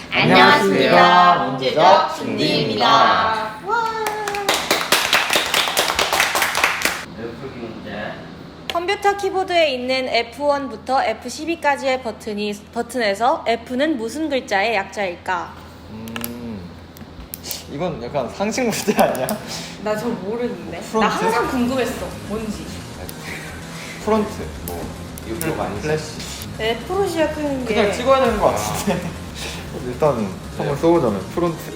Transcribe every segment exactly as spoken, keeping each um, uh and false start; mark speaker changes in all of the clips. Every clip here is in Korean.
Speaker 1: 안녕하십니까. 문제적 준디입니다.
Speaker 2: 와.
Speaker 1: 풀기 문제.
Speaker 2: 컴퓨터 키보드에 있는 에프 원부터 에프 십이까지의 버튼이, 버튼에서 F는 무슨 글자의 약자일까?
Speaker 3: 음, 이건 약간 상식 문제 아니야?
Speaker 2: 나 저 모르는데.
Speaker 3: 프론트?
Speaker 2: 나 항상 궁금했어. 뭔지.
Speaker 3: 프론트, 뭐
Speaker 1: 유튜브 아니지?
Speaker 3: 플래시.
Speaker 2: F로 시작하는 게.
Speaker 3: 그냥 찍어야 되는 거 같은데. 일단은 한번 써보자면 프론트.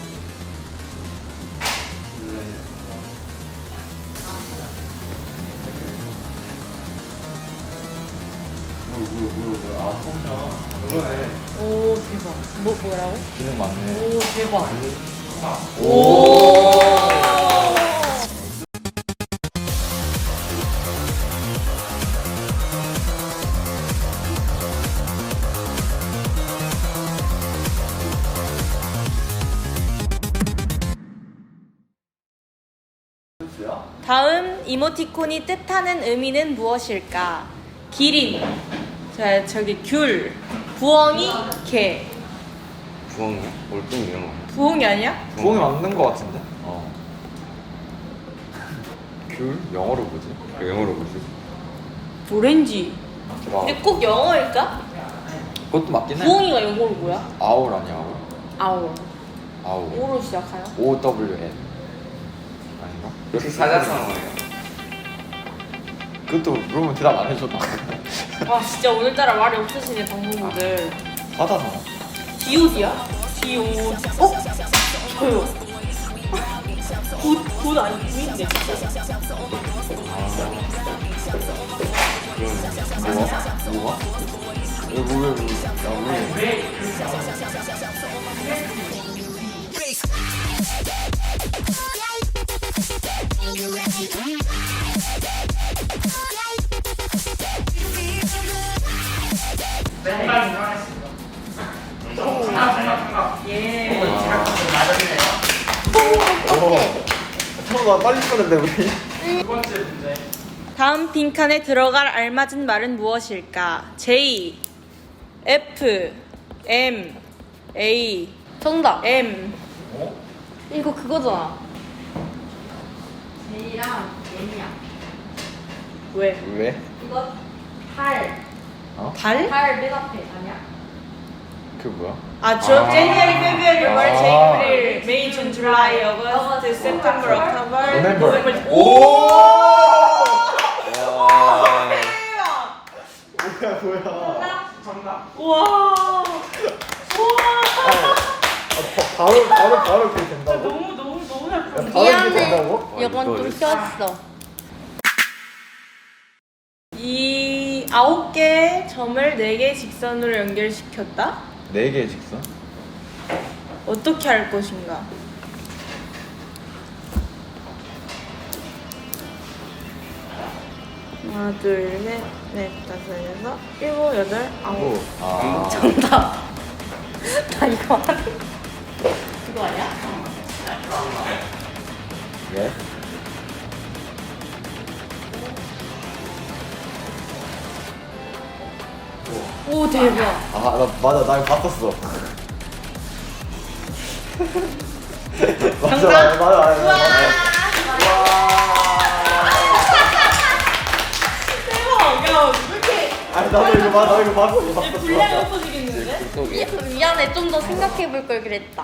Speaker 1: 아, 통장. 그러네.
Speaker 2: 오 대박. 뭐 뭐라고?
Speaker 3: 기능 많네.
Speaker 2: 오 대박.
Speaker 1: 오.
Speaker 2: 다음 이모티콘이 뜻하는 의미는 무엇일까? 기린. 자 저기 귤. 부엉이 개.
Speaker 1: 부엉이야? 올빼미 이런 거.
Speaker 2: 부엉이 아니야?
Speaker 3: 부엉이 맞는 거 같은데? 어. 귤? 영어로 뭐지?
Speaker 1: 그 영어로 뭐지?
Speaker 2: 오렌지.
Speaker 3: 와,
Speaker 2: 근데 꼭 영어일까?
Speaker 3: 그것도 맞긴 해.
Speaker 2: 부엉이가 영어로 뭐야?
Speaker 3: 아울 아니야 아울?
Speaker 2: 아오.
Speaker 3: 아울.
Speaker 2: 오로 시작하나?
Speaker 3: O W N 아닌가?
Speaker 1: 혹시 사자성어예요?
Speaker 3: 그것도 물어보면 대답 안 해줘.
Speaker 2: 와 진짜 오늘따라 말이 없으시네 방송분들.
Speaker 3: 사자성어.
Speaker 2: 디오디야? 디오. 어? 저요. 굿, 굿 아니 굿인데 진짜.
Speaker 3: 뭐가? 뭐가? 왜, 뭐, 왜, 뭐, 야, 왜?
Speaker 2: 예.
Speaker 3: 어. 잠깐만, 빨리 쓰는데, 우리.
Speaker 2: 다음 빈칸에 들어갈 알맞은 말은 무엇일까? J, F, M, A. 정답. M.
Speaker 3: 어?
Speaker 2: 이거 그거잖아.
Speaker 4: J랑 M이야.
Speaker 2: 왜?
Speaker 3: 왜?
Speaker 4: 이거 달.
Speaker 3: 어?
Speaker 2: 달?
Speaker 4: 달 맨 앞에 아니야?
Speaker 3: 그 뭐야?
Speaker 2: 아, 저
Speaker 3: 아.
Speaker 2: January, February, March,
Speaker 3: 아.
Speaker 2: April, May, June, July, August, September, October,
Speaker 3: November.
Speaker 2: November.
Speaker 3: 오!
Speaker 2: 대박!
Speaker 3: 뭐야, 뭐야.
Speaker 2: 우와! 우와!
Speaker 3: 아, 바, 바로, 바로, 바로 그렇게 된다고?
Speaker 2: 너무 너무 너무 잘
Speaker 3: 야,
Speaker 2: 풀었네.
Speaker 3: 바로 이렇게 된다고?
Speaker 2: 이건
Speaker 1: 이거
Speaker 2: 좀 꼈어. 이 아홉 개의 점을 네 개의 직선으로 연결시켰다?
Speaker 3: 네 개의 직선?
Speaker 2: 어떻게 할 것인가? 하나, 둘, 셋, 넷, 다섯, 여섯, 일곱, 여덟,
Speaker 3: 오.
Speaker 2: 아홉.
Speaker 3: 아.
Speaker 2: 정답. 나 이거 하는 그거 아니야?
Speaker 3: 예?
Speaker 2: 오 대박.
Speaker 3: 아, 나, 맞아, 나 이거 봤었어. 맞아,
Speaker 2: 정답?
Speaker 3: 맞아, 맞아, 맞아.
Speaker 2: 대박. 야, 왜 이렇게
Speaker 3: 아니, 나도 이거 봐, 나 이거 봤어, 이거
Speaker 2: 얘
Speaker 3: 봤었어.
Speaker 2: 분량이 없어지겠는데?
Speaker 1: 속에.
Speaker 4: 미안해, 좀 더 생각해볼 걸 그랬다.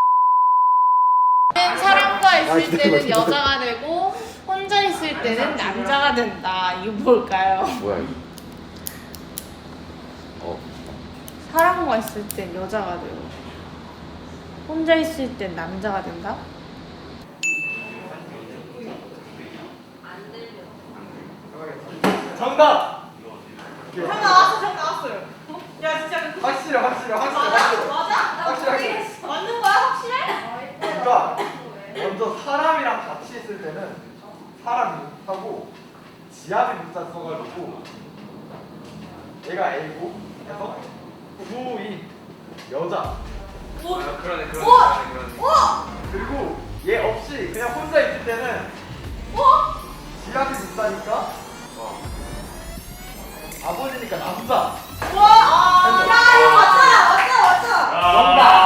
Speaker 2: 사람과
Speaker 3: 아,
Speaker 2: 있을
Speaker 3: 기다려,
Speaker 2: 때는
Speaker 3: 기다려.
Speaker 2: 여자가 되고 혼자 있을 때는 남자가 된다. 이거 뭘까요?
Speaker 3: 뭐야, 이거? 어.
Speaker 2: 사람과 있을 땐 여자가 되고 혼자 있을 땐 남자가 된다?
Speaker 3: 정답!
Speaker 2: 정 나왔어, 정 나왔어요. 야 진짜
Speaker 3: 확실해, 확실해, 확실해, 확실해.
Speaker 2: 맞아?
Speaker 3: 확실하게.
Speaker 2: 맞는 거야 확실해?
Speaker 3: 그러니까 먼저 사람이랑 같이 있을 때는 사람이 하고 지압이 문자 써가지고 얘가 A고 해서 구인 여자
Speaker 2: 오,
Speaker 1: 아, 그러네, 그러네,
Speaker 2: 우와!
Speaker 1: 그러네, 그러네.
Speaker 2: 우와!
Speaker 3: 그리고 얘 없이 그냥 혼자 있을 때는
Speaker 2: 우와!
Speaker 3: 지압이 문자니까 아버지니까 남자.
Speaker 2: 우와! 야 이거 맞다! 맞다! 맞다!
Speaker 3: 정답.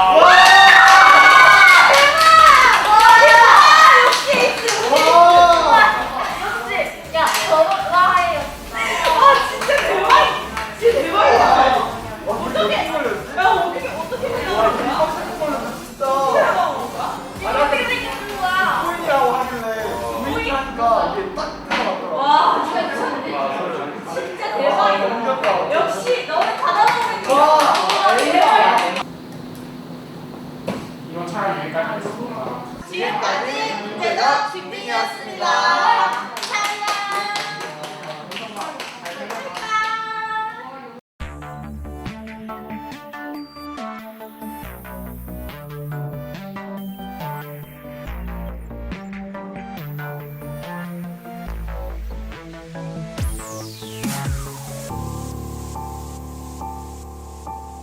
Speaker 2: 역시 너는 받아보는
Speaker 5: 이건 차라리 여기까지 하겠습니다.
Speaker 2: 지금까지 문제적 빅빈이었습니다.